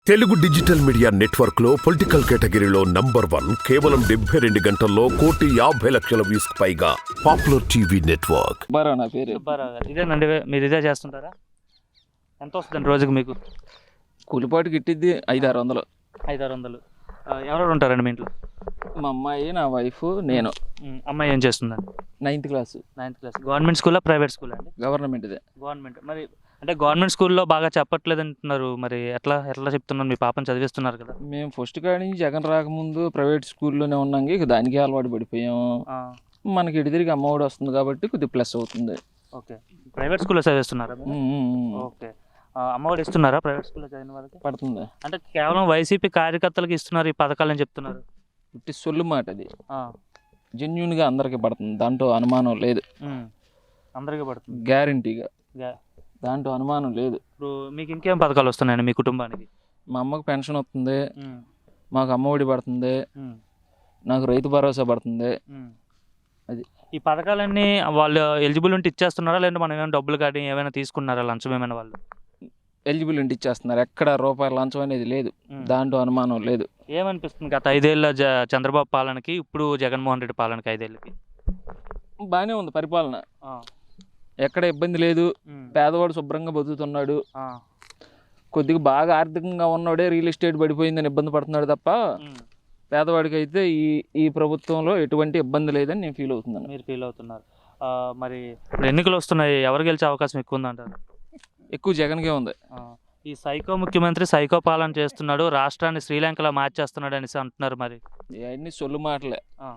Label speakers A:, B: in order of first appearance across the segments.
A: Telugu digital media network లో political కేటగిరీలో #1 కేవలం 72 గంటల్లో 1,50,00,000 వ్యూస్ పైగా పాపులర్ టీవీ నెట్వర్క్.
B: నా పేరు
C: ఇదేనండి, మీరు ఇదే చేస్తుంటారా? ఎంత వస్తుందండి రోజుకి మీకు?
B: కూలిపాటు గిట్టిద్ది 500-600.
C: 500-600. ఎవరెవరు ఉంటారండి మీ ఇంట్లో?
B: మా అమ్మాయి, నా వైఫ్, నేను.
C: అమ్మాయి ఏం చేస్తుందండి?
B: 9th class.
C: 9th class. Government స్కూలా, ప్రైవేట్ స్కూలా అండి?
B: గవర్నమెంట్దే.
C: గవర్నమెంట్. మరి అంటే గవర్నమెంట్ స్కూల్లో బాగా చెప్పట్లేదు అంటున్నారు, మరి ఎట్లా చెప్తున్నారు? మీ పాపని చదివిస్తున్నారు కదా?
B: మేము ఫస్ట్ కాడి నుంచి జగన్ రాకముందు ప్రైవేట్ స్కూల్లోనే ఉన్నాం, ఇక దానికి అలవాటు పడిపోయాము. మనకి ఇటు తిరిగి అమ్మఒడి వస్తుంది కాబట్టి కొద్దిగా ప్లస్ అవుతుంది.
C: ఓకే, ప్రైవేట్ స్కూల్లో చదివిస్తున్నారా? ఓకే, అమ్మఒడి ఇస్తున్నారా ప్రైవేట్ స్కూల్లో చదివిన వాళ్ళకి?
B: పడుతుంది.
C: అంటే కేవలం వైసీపీ కార్యకర్తలకు ఇస్తున్నారు ఈ పథకాలని చెప్తున్నారు.
B: ఇట్టి సొల్లు మాట అది. జెన్యున్గా అందరికీ పడుతుంది, దాంట్లో అనుమానం లేదు.
C: అందరికీ పడుతుంది
B: గ్యారంటీగా, దాంట్లో అనుమానం లేదు.
C: ఇప్పుడు మీకు ఇంకేం పథకాలు వస్తున్నాయండి మీ కుటుంబానికి?
B: మా అమ్మకు పెన్షన్ వస్తుంది, మాకు అమ్మఒడి పడుతుంది, నాకు రైతు భరోసా పడుతుంది. అది
C: ఈ పథకాలన్నీ వాళ్ళు ఎలిజిబుల్ ఉంటే ఇచ్చేస్తున్నారా, లేదంటే మనం ఏమైనా డబ్బులు కానీ ఏమైనా తీసుకున్నారా, లంచం ఏమైనా? వాళ్ళు
B: ఎలిజిబుల్ ఉంటే ఇచ్చేస్తున్నారు, ఎక్కడ రూపాయల లంచం అనేది లేదు, దాంట్లో అనుమానం లేదు.
C: ఏమనిపిస్తుంది గత 5 ఏళ్ళ చంద్రబాబు పాలనకి ఇప్పుడు జగన్మోహన్ రెడ్డి పాలనకి 5 ఏళ్ళకి?
B: బాగానే ఉంది పరిపాలన, ఎక్కడ ఇబ్బంది లేదు. పేదవాడు శుభ్రంగా బతుకుతున్నాడు. కొద్దిగా బాగా ఆర్థికంగా ఉన్నవాడే రియల్ ఎస్టేట్ పడిపోయిందని ఇబ్బంది పడుతున్నాడు తప్ప పేదవాడికి అయితే ఈ ప్రభుత్వంలో ఎటువంటి ఇబ్బంది లేదని నేను ఫీల్ అవుతున్నాను.
C: మీరు ఫీల్ అవుతున్నారు. మరి ఇప్పుడు ఎన్నికలు వస్తున్నాయి, ఎవరు గెలిచే అవకాశం ఎక్కువ ఉందంటారు?
B: ఎక్కువ జగన్కే ఉంది.
C: ఈ సైకో ముఖ్యమంత్రి సైకో పాలన చేస్తున్నాడు, రాష్ట్రాన్ని శ్రీలంకలో మార్చేస్తున్నాడు అనేసి అంటున్నారు. మరి
B: ఇవన్నీ సొల్లు మాటలే.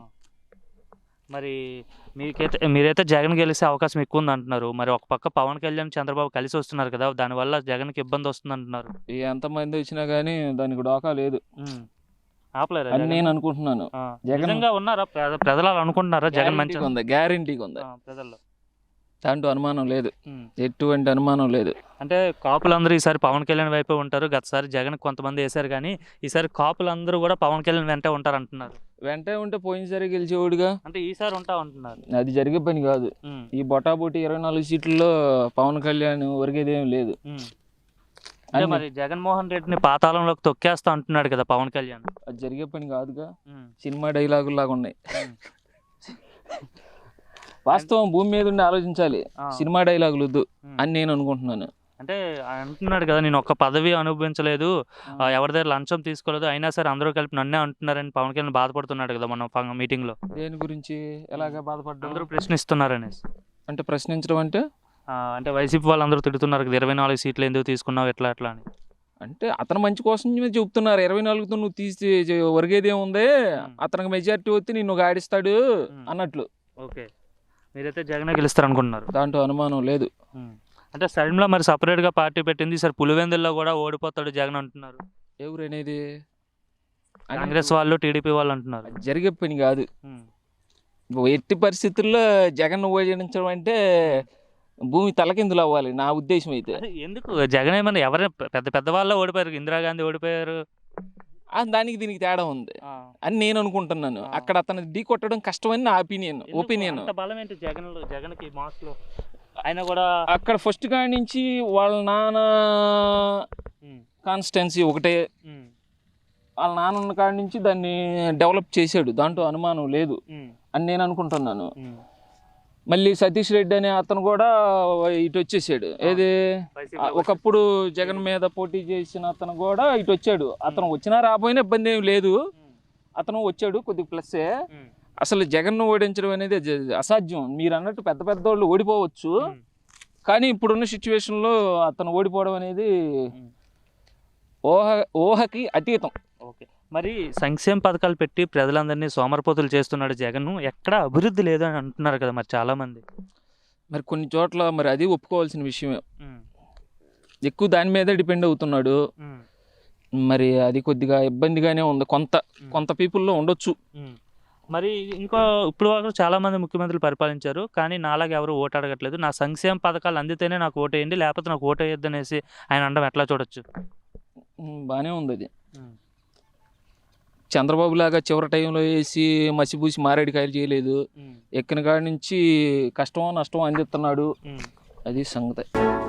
C: మరి మీరైతే జగన్ గెలిచే అవకాశం ఎక్కువ ఉంది అంటున్నారు. మరి ఒక పక్క పవన్ కళ్యాణ్, చంద్రబాబు కలిసి వస్తున్నారు కదా, దానివల్ల జగన్కి ఇబ్బంది వస్తుంది అంటున్నారు.
B: ఎంతమంది వచ్చినా కానీ దానికి డోకా లేదు,
C: ఆపలేరు
B: అని నేను అనుకుంటున్నాను.
C: జగన్గా ఉన్నారా ప్రజలు అనుకుంటున్నారా? జగన్ మంచిగా
B: ఉంది, గ్యారంటీగా ఉంది
C: ప్రజల్లో, దాంట్లో
B: అనుమానం లేదు, ఎటువంటి అనుమానం లేదు.
C: అంటే కాపులందరూ ఈసారి పవన్ కళ్యాణ్ వైపే ఉంటారు. గతసారి జగన్ కొంతమంది వేశారు, కానీ ఈసారి కాపులందరూ కూడా పవన్ కళ్యాణ్ వెంటే ఉంటారు అంటున్నారు.
B: వెంటే ఉంటే పోయినసారి గెలిచేవాడుగా,
C: అంటే ఈసారి ఉంటా అంటున్నారు.
B: అది జరిగే పని కాదు. ఈ బొటాబొటి 24 సీట్లలో పవన్ కళ్యాణ్ ఒరిగేదేం లేదు.
C: అంటే మరి జగన్మోహన్ రెడ్డిని పాతాళంలోకి తొక్కేస్తా అంటున్నాడు కదా పవన్ కళ్యాణ్.
B: అది జరిగే పని కాదుగా, సినిమా డైలాగులు లాగా ఉన్నాయి. వాస్తవం భూమి మీద ఉండి ఆలోచించాలి, సినిమా డైలాగులు వద్దు అని నేను అనుకుంటున్నాను.
C: అంటే అంటున్నాడు కదా, నేను ఒక్క పదవి అనుభవించలేదు, ఎవరి దగ్గర లంచం తీసుకోలేదు, అయినా సరే అందరూ కలిపి నన్నే అంటున్నారని పవన్ కళ్యాణ్ బాధపడుతున్నాడు కదా మన మీటింగ్ లో.
B: దేని గురించి ఎలాగా బాధపడ్డా?
C: అందరూ ప్రశ్నిస్తున్నారనేసి.
B: అంటే ప్రశ్నించడం
C: అంటే వైసీపీ వాళ్ళందరూ తిడుతున్నారు కదా, 24 సీట్లు ఎందుకు తీసుకున్నావు ఎట్లా అని.
B: అంటే అతను మంచి కోసం చెప్తున్నారు. 24తో నువ్వు తీసి ఒరిగేదేముంది, అతనికి మెజారిటీ వచ్చి నిన్ను గాడిస్తాడు అన్నట్లు.
C: ఓకే, మీరైతే జగన్ గెలుస్తారు అనుకుంటున్నారు?
B: దాంట్లో అనుమానం లేదు.
C: అంటే సైడ్లో మరి సపరేట్గా పార్టీ పెట్టింది, సరే పులివెందుల్లో కూడా ఓడిపోతాడు జగన్ అంటున్నారు.
B: ఎవరు అనేది?
C: కాంగ్రెస్ వాళ్ళు, టీడీపీ వాళ్ళు అంటున్నారు.
B: జరిగే పని కాదు. ఎట్టి పరిస్థితుల్లో జగన్ ఓడించడం అంటే భూమి తలకిందులు అవ్వాలి నా ఉద్దేశం అయితే.
C: ఎందుకు జగన్ ఏమన్నా ఎవరైనా పెద్ద వాళ్ళ ఓడిపోయారు, ఇందిరాగాంధీ ఓడిపోయారు,
B: దానికి దీనికి తేడా ఉంది అని నేను అనుకుంటున్నాను. అక్కడ అతను ఢీ కొట్టడం కష్టమని నా ఒపీనియన్.
C: బలం ఏంటి జగన్కి మార్క్స్లో? ఆయన కూడా
B: అక్కడ ఫస్ట్ కాడి నుంచి వాళ్ళ నాన్న కాన్స్టిట్యున్సీ ఒకటే, వాళ్ళ నాన్న ఉన్న కాడి నుంచి దాన్ని డెవలప్ చేశాడు, దాంట్లో అనుమానం లేదు అని నేను అనుకుంటున్నాను. మళ్ళీ సతీష్ రెడ్డి అనే అతను కూడా ఇటు వచ్చేసాడు. ఏది ఒకప్పుడు జగన్ మీద పోటీ చేసిన అతను కూడా ఇటు వచ్చాడు. అతను వచ్చినా రాబోయినా ఇబ్బంది ఏమి లేదు, అతను వచ్చాడు, కొద్దిగా ప్లస్సే. అసలు జగన్ ఓడించడం అనేది అసాధ్యం. మీరు అన్నట్టు పెద్ద వాళ్ళు ఓడిపోవచ్చు, కానీ ఇప్పుడున్న సిచ్యువేషన్లో అతను ఓడిపోవడం అనేది ఊహకి అతీతం.
C: ఓకే, మరి సంక్షేమ పథకాలు పెట్టి ప్రజలందరినీ సోమరిపోతులు చేస్తున్నాడు జగన్, ఎక్కడ అభివృద్ధి లేదు అని అంటున్నారు కదా మరి చాలామంది.
B: మరి కొన్ని చోట్ల మరి అది ఒప్పుకోవాల్సిన విషయమే, ఎక్కువ దాని మీదే డిపెండ్ అవుతున్నాడు. మరి అది కొద్దిగా ఇబ్బందిగానే ఉంది, కొంత పీపుల్లో ఉండొచ్చు.
C: మరి ఇంకో ఇప్పుడు వరకు చాలామంది ముఖ్యమంత్రులు పరిపాలించారు, కానీ నాలాగా ఎవరు ఓటు అడగట్లేదు, నా సంక్షేమ పథకాలు అందితేనే నాకు ఓటు వేయండి, లేకపోతే నాకు ఓటు వేయద్దు అనేసి ఆయన అనడం ఎట్లా చూడొచ్చు?
B: బాగానే ఉంది అది. చంద్రబాబు లాగా చివరి టైంలో వేసి మసిపూసి మారేడుకాయలు చేయలేదు, ఎక్కిన కాడి నుంచి కష్టమో నష్టమో అందిస్తున్నాడు, అది సంగతి.